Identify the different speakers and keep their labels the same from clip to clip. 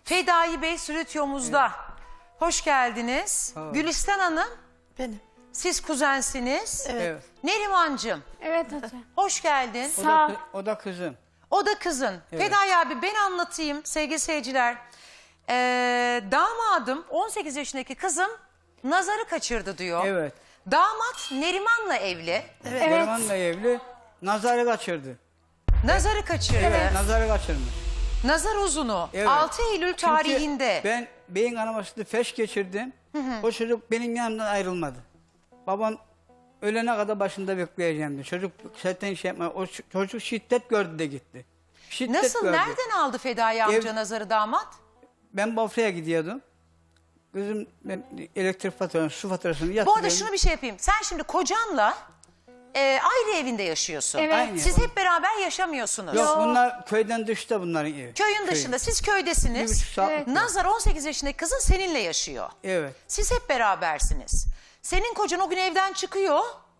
Speaker 1: Fedai Bey stüdyomuzda. Hoş geldiniz. Gülistan Hanım,
Speaker 2: Benim.
Speaker 1: siz kuzensiniz.
Speaker 2: Evet.
Speaker 1: Nerimancığım,
Speaker 3: Evet hocam.
Speaker 1: hoş geldin.
Speaker 3: Sağ ol.
Speaker 4: O da kızım.
Speaker 1: O da kızın. Fedai abi, ben anlatayım sevgili seyirciler. Damadım 18 yaşındaki kızım nazarı kaçırdı diyor.
Speaker 4: Evet.
Speaker 1: Damat Neriman'la evli.
Speaker 3: Evet.
Speaker 4: Neriman'la evli. Nazarı kaçırdı.
Speaker 1: Nazarı kaçırdı.
Speaker 4: Nazarı kaçırmış.
Speaker 1: Nazar uzunu.
Speaker 4: Evet.
Speaker 1: 6 Eylül
Speaker 4: Çünkü
Speaker 1: tarihinde.
Speaker 4: ben beyin kanamasını feş geçirdim. O çocuk benim yanımdan ayrılmadı. Babam ölene kadar başında bekleyeceğim diye. Çocuk zaten şey yapma. O çocuk şiddet gördü de gitti. Şiddet
Speaker 1: Nasıl,
Speaker 4: gördü.
Speaker 1: nereden aldı Fedai amca nazarı damat?
Speaker 4: Ben Bafra'ya gidiyordum. Kızım ben elektrik faturasını, su faturasını
Speaker 1: Bu
Speaker 4: yatırıyorum.
Speaker 1: arada şunu bir şey yapayım. Sen şimdi kocanla ayrı evinde yaşıyorsun.
Speaker 3: Evet.
Speaker 4: Aynı.
Speaker 1: Siz hep beraber yaşamıyorsunuz.
Speaker 4: Yok, bunlar köyden dışta bunların evi.
Speaker 1: Köyün dışında. Siz köydesiniz.
Speaker 4: 1,5 saat.
Speaker 1: Nazar 18 yaşındaki kızın seninle yaşıyor.
Speaker 4: Evet.
Speaker 1: Siz hep berabersiniz. Senin kocan o gün evden çıkıyor.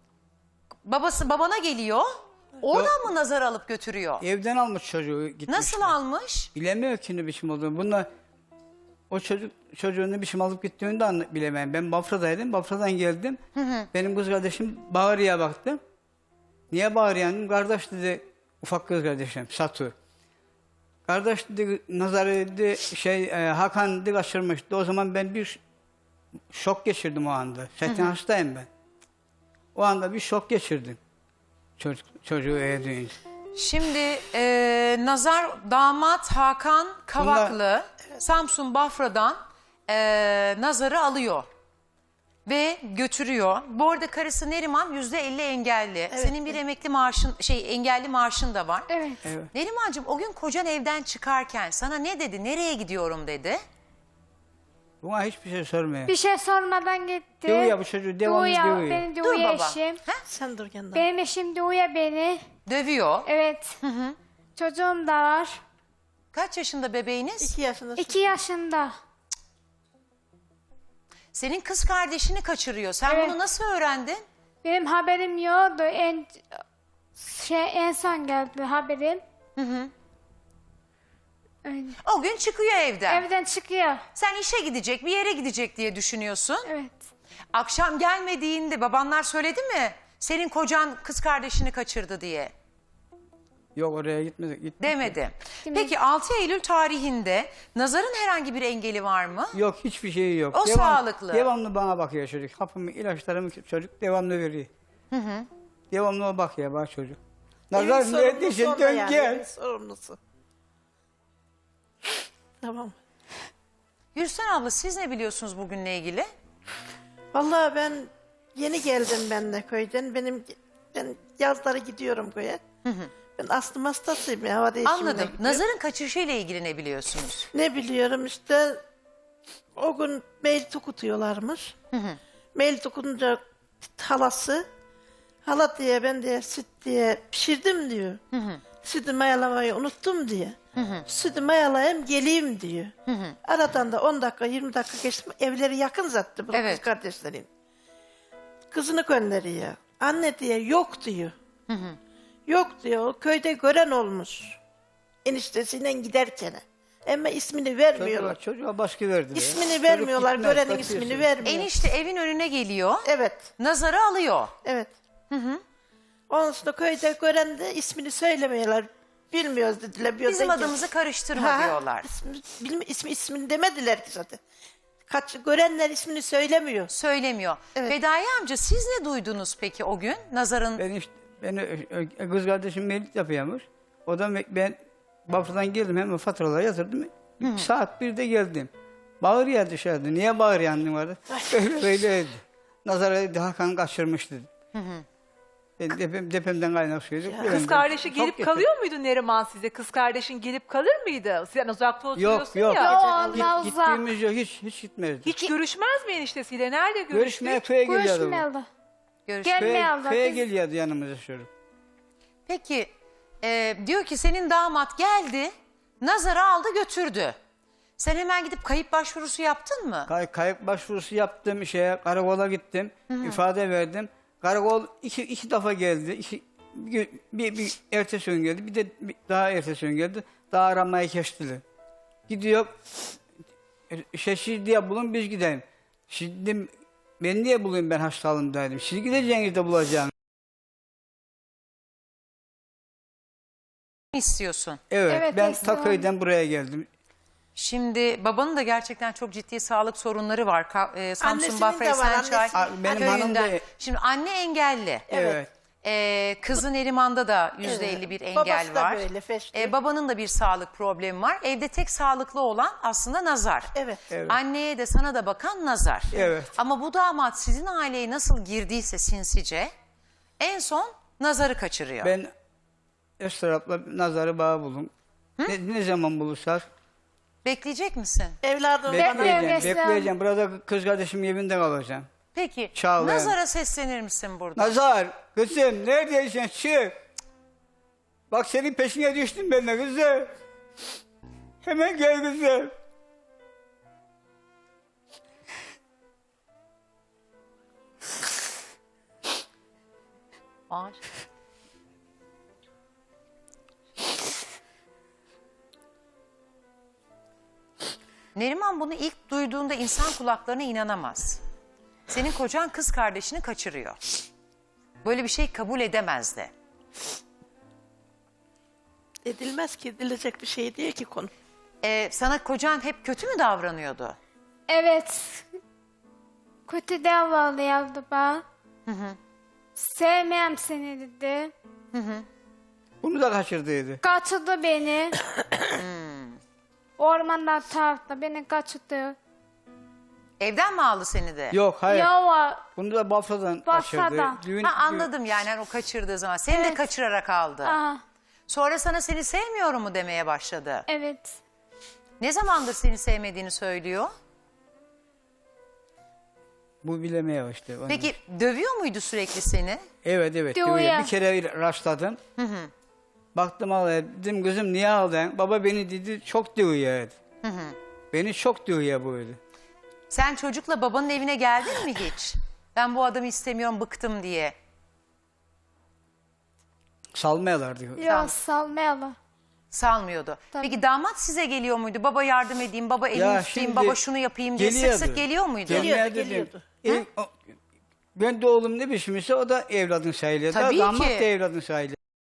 Speaker 1: Babana geliyor. Oradan mı nazar alıp götürüyor?
Speaker 4: Evden almış çocuğu gitmiş.
Speaker 1: Nasıl almış?
Speaker 4: Bilemiyor ki ne biçim olduğunu. Bunlar o çocuğun ne biçim alıp gittiğini de bilemem. Ben Bafra'daydım. Bafra'dan geldim. Benim kız kardeşim Bağrı'ya baktım. Niye Bağrı'ya dedim? Kardeş dedi, ufak kız kardeşim Satu. Kardeş dedi, nazarı dedi, Hakan dedi kaçırmıştı. O zaman ben bir şok geçirdim o anda. Zaten hastayım ben. O anda bir şok geçirdim. Çocuğu eve duyunca.
Speaker 1: Şimdi nazar damat Hakan Kavaklı Samsun Bafra'dan nazarı alıyor ve götürüyor. Bu arada karısı Neriman %50 engelli. Senin bir emekli maaşın, engelli maaşın da var.
Speaker 3: Evet.
Speaker 4: Evet.
Speaker 1: Nerimancığım, o gün kocan evden çıkarken sana ne dedi? Nereye gidiyorum dedi?
Speaker 4: Buna hiçbir şey sormuyor.
Speaker 3: Bir şey sormadan gitti.
Speaker 4: Dövüyor bu çocuğu, devamlı dövüyor.
Speaker 3: Beni
Speaker 1: Dur
Speaker 3: dövüyor
Speaker 1: baba.
Speaker 3: eşim.
Speaker 2: Sen dur yanında.
Speaker 3: Benim eşim dövüyor beni.
Speaker 1: Dövüyor.
Speaker 3: Evet. Çocuğum da var.
Speaker 1: Kaç yaşında bebeğiniz?
Speaker 2: 2 yaşında.
Speaker 3: 2 yaşında.
Speaker 1: Senin kız kardeşini kaçırıyor. Sen
Speaker 3: Evet.
Speaker 1: bunu nasıl öğrendin?
Speaker 3: Benim haberim yoktu. En son geldi haberim. Öyle.
Speaker 1: O gün çıkıyor evden.
Speaker 3: Evden çıkıyor.
Speaker 1: Sen işe gidecek, bir yere gidecek diye düşünüyorsun.
Speaker 3: Evet.
Speaker 1: Akşam gelmediğinde babanlar söyledi mi? Senin kocan kız kardeşini kaçırdı diye.
Speaker 4: Yok, oraya gitmedi.
Speaker 1: Demedi. Peki 6 Eylül tarihinde nazarın herhangi bir engeli var mı?
Speaker 4: Yok, hiçbir şeyi yok.
Speaker 1: O sağlıklı.
Speaker 4: Devamlı bana bakıyor çocuk. Hapımı, ilaçlarımı çocuk devamlı veriyor. Devamlı o bakıyor bana çocuk. Nazar
Speaker 2: Evin
Speaker 4: neredesin,
Speaker 2: sorumlusu
Speaker 4: dön
Speaker 2: onda yani,
Speaker 4: gel.
Speaker 2: evin sorumlusu. Tamam.
Speaker 1: Gülsen abla, siz ne biliyorsunuz bugünle ilgili?
Speaker 2: Vallahi ben yeni geldim ben de köyden. Ben yazları gidiyorum köye. Ben astım hastasıyım ya. Hava değişimine
Speaker 1: Anladım.
Speaker 2: gidiyorum.
Speaker 1: Nazarın kaçışıyla ilgili ne biliyorsunuz?
Speaker 2: Ne biliyorum işte o gün mail tukutuyorlarmış. Mail tukunca halası hala diye ben de süt diye pişirdim diyor. Sütü mayalamayı unuttum diye. Sütü mayalayayım geleyim diyor. Aradan da 10 dakika 20 dakika geçti. Evleri yakın zaten bu
Speaker 1: Evet.
Speaker 2: kız kardeşlerin. Kızını gönderiyor. Anne diye yok diyor. Yok diyor. Köyde gören olmuş. Eniştesiyle giderken. Ama ismini vermiyorlar.
Speaker 4: Çocuğa baskı verdi.
Speaker 2: İsmini vermiyorlar.
Speaker 4: gitmez,
Speaker 2: Görenin
Speaker 4: kaçıyorsun.
Speaker 2: ismini vermiyor.
Speaker 1: Enişte evin önüne geliyor.
Speaker 2: Evet.
Speaker 1: Nazarı alıyor.
Speaker 2: Evet. Ondan sonra köyde gören de ismini söylemiyorlar. Bilmiyoruz dediler.
Speaker 1: Bizim adımızı karıştırma diyorlar.
Speaker 2: İsmini demediler ki zaten. Görenler ismini söylemiyor.
Speaker 1: Söylemiyor.
Speaker 2: Evet.
Speaker 1: Fedai amca, siz ne duydunuz peki o gün? Nazarın
Speaker 4: Ben kız kardeşim mevlüt yapıyormuş. O da ben Bafra'dan geldim, hemen faturaları yatırdım. Saat 1'de geldim. Bağırıyor dışarıda. Niye bağırıyorsun vardı? Öyle. Nazar dedi, Hakan kaçırmış dedi. Ben depremden kaynak suydu.
Speaker 5: Kız kardeşi gelip kalıyor muydu Neriman size? Kız kardeşin gelip kalır mıydı? Sen uzakta oturuyorsun
Speaker 4: Yok.
Speaker 5: ya.
Speaker 3: Allah uzak.
Speaker 4: Gittiğimiz yok, hiç gitmezdi.
Speaker 5: Hiç görüşmez mi eniştesiyle? Nerede
Speaker 4: Görüşmeye
Speaker 5: görüştük?
Speaker 4: köye geliyordu. bu.
Speaker 3: Görüşmüyordu.
Speaker 1: görüşmek.
Speaker 3: Gelmiyordu.
Speaker 4: Köye
Speaker 3: Biz-
Speaker 4: geliyordu yanımıza çocuk.
Speaker 1: Peki diyor ki senin damat geldi, nazarı aldı götürdü. Sen hemen gidip kayıp başvurusu yaptın mı?
Speaker 4: Kayıp başvurusu yaptım, karakola gittim, ifade verdim. Karakol iki defa geldi. Bir ertesi gün geldi, bir de daha ertesi gün geldi. Daha aramayı kestiler. gidiyor. Siz diye bulun biz gidelim. Şimdi ben niye bulayım ben hastalığımdaydım. Siz gideceğiniz de bulacağım.
Speaker 1: istiyorsun.
Speaker 4: Evet,
Speaker 3: Evet,
Speaker 4: ben
Speaker 3: Esra Hanım.
Speaker 4: Taköy'den buraya geldim.
Speaker 1: Şimdi babanın da gerçekten çok ciddi sağlık sorunları var. Samsun
Speaker 2: Annesinin
Speaker 1: Bafra
Speaker 2: de var,
Speaker 1: Esençay
Speaker 2: annesinin.
Speaker 4: Benim hanım da-
Speaker 1: köyünden. Şimdi anne engelli.
Speaker 4: Evet.
Speaker 1: Kızı Neriman'da da %50 bir engel
Speaker 2: Babası da
Speaker 1: var.
Speaker 2: böyle, feşli.
Speaker 1: Babanın da bir sağlık problemi var. Evde tek sağlıklı olan aslında Nazar.
Speaker 2: Evet.
Speaker 1: Anneye de sana da bakan Nazar.
Speaker 4: Evet.
Speaker 1: Ama bu damat sizin aileye nasıl girdiyse sinsice en son Nazar'ı kaçırıyor.
Speaker 4: Ben Esra'la Nazar'ı bağ buldum. Ne zaman bulursak
Speaker 1: Bekleyecek misin?
Speaker 2: Evladım
Speaker 4: bekleyeceğim.
Speaker 3: Esra.
Speaker 4: Bekleyeceğim. Burada kız kardeşim evinde kalacağım.
Speaker 1: Peki
Speaker 4: Çağlayan.
Speaker 1: Nazar'a seslenir misin burada?
Speaker 4: Nazar, kızım neredeysen çık. Bak senin peşine düştüm ben de kızım. Hemen gel kızım.
Speaker 1: Var. Neriman bunu ilk duyduğunda insan kulaklarına inanamaz. Senin kocan kız kardeşini kaçırıyor. Böyle bir şey kabul edemezdi.
Speaker 2: edilmez ki, edilecek bir şey değil ki konu.
Speaker 1: Sana kocan hep kötü mü davranıyordu?
Speaker 3: Evet. Kötü davranıyordu bana. Sevmem seni dedi.
Speaker 4: Bunu da kaçırdıydı.
Speaker 3: Kaçırdı beni. Ormanda tarafta beni kaçırdı.
Speaker 1: Evden mi aldı seni de?
Speaker 4: Yok hayır.
Speaker 3: Yava
Speaker 4: Bunu da Bafra'dan
Speaker 3: Bafra'dan.
Speaker 4: kaçırdı.
Speaker 1: Ha, anladım yani o kaçırdığı zaman. Seni de
Speaker 3: Evet.
Speaker 1: kaçırarak aldı.
Speaker 3: Aha,
Speaker 1: Sonra sana seni sevmiyorum mu demeye başladı.
Speaker 3: evet.
Speaker 1: Ne zamandır seni sevmediğini söylüyor?
Speaker 4: Bu bilemeye işte. onu.
Speaker 1: Peki dövüyor muydu sürekli seni?
Speaker 4: Evet evet.
Speaker 3: Diyor
Speaker 4: diyor ya.
Speaker 3: ya.
Speaker 4: Bir kere rastladım. Baktım ağlaya. Dedim kızım niye ağladın? Baba beni dedi çok diyor ya. Beni çok diyor ya böyle.
Speaker 1: Sen çocukla babanın evine geldin mi hiç? Ben bu adamı istemiyorum, bıktım diye.
Speaker 4: Salmayalar diyor.
Speaker 3: Yok salmayalım.
Speaker 1: Salmıyordu.
Speaker 3: Tabii.
Speaker 1: Peki damat size geliyor muydu? Baba yardım edeyim, baba elini
Speaker 4: Ya
Speaker 1: tutayım,
Speaker 4: şimdi
Speaker 1: baba şunu yapayım diye sık sık geliyor muydu?
Speaker 2: Geliyordu.
Speaker 4: Ben de oğlum ne biçimse o da evladın sayılıyor.
Speaker 1: Tabii
Speaker 4: Damat
Speaker 1: ki.
Speaker 4: da evladın sayılıyor.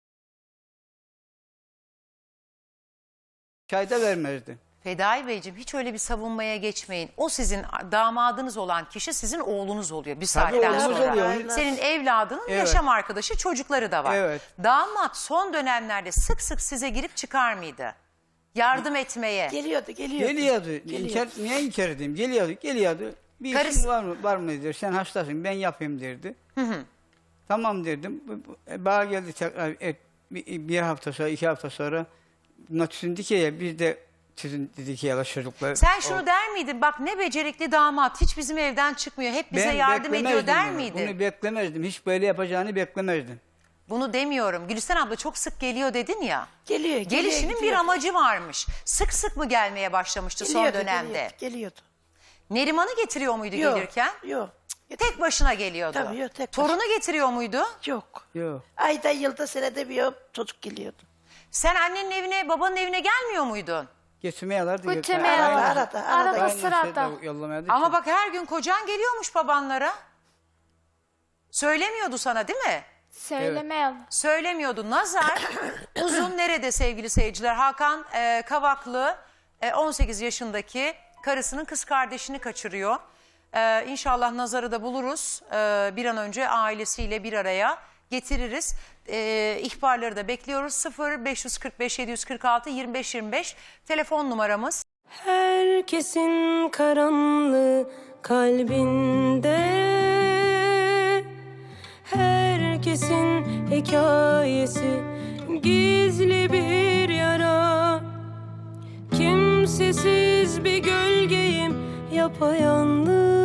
Speaker 4: Çay da vermezdi.
Speaker 1: Fedai Beyciğim hiç öyle bir savunmaya geçmeyin. O sizin damadınız olan kişi sizin oğlunuz oluyor bir
Speaker 4: Tabii
Speaker 1: saatten
Speaker 4: oğlumuz
Speaker 1: sonra.
Speaker 4: oluyor.
Speaker 1: Senin evladının
Speaker 4: Evet.
Speaker 1: yaşam arkadaşı, çocukları da var.
Speaker 4: Evet.
Speaker 1: Damat son dönemlerde sık sık size girip çıkar mıydı? Yardım etmeye.
Speaker 2: Geliyordu.
Speaker 4: Geliyordu. Niye inkar edeyim? Geliyordu. Bir
Speaker 1: Karısı-
Speaker 4: işin var mı der. Sen hastasın ben yapayım derdi. Tamam derdim. Bana geldi tekrar bir hafta sonra 2 hafta sonra sizin dikeye biz de sizin dikeye çocuklar.
Speaker 1: Sen şunu der miydin? Bak ne becerikli damat, hiç bizim evden çıkmıyor, hep bize yardım ediyor
Speaker 4: beklemezdim
Speaker 1: der
Speaker 4: bunu.
Speaker 1: miydin?
Speaker 4: Bunu beklemezdim. Hiç böyle yapacağını beklemezdim.
Speaker 1: Bunu demiyorum. Gülistan abla çok sık geliyor dedin ya.
Speaker 2: Geliyor.
Speaker 1: Gelişinin bir amacı varmış. Sık sık mı gelmeye başlamıştı son dönemde?
Speaker 2: Geliyordu.
Speaker 1: Neriman'ı getiriyor muydu
Speaker 2: Yok.
Speaker 1: gelirken?
Speaker 2: Yok.
Speaker 1: Tek başına geliyordu.
Speaker 2: Tabii, yok, tek başına.
Speaker 1: Torunu getiriyor muydu?
Speaker 2: Yok.
Speaker 4: Yok.
Speaker 2: Ayda yılda senede bir çocuk geliyordu.
Speaker 1: Sen annenin evine, babanın evine gelmiyor muydun?
Speaker 4: Getirmeyelerdi.
Speaker 3: Götürmeyeler.
Speaker 2: Arada.
Speaker 3: Arada sırada.
Speaker 1: Ama bak her gün kocan geliyormuş babanlara. Söylemiyordu sana değil mi?
Speaker 3: Söylemeyelim.
Speaker 1: Söylemiyordu. Nazar uzun nerede sevgili seyirciler? Hakan Kavaklı 18 yaşındaki karısının kız kardeşini kaçırıyor. İnşallah Nazar'ı da buluruz. Bir an önce ailesiyle bir araya getiririz. İhbarları da bekliyoruz. 0545 746 25 25 telefon numaramız.
Speaker 6: Herkesin karanlığı kalbinde, herkesin hikayesi gizli bir yara. Kimsesiz bir gölgeyim yapayalnız,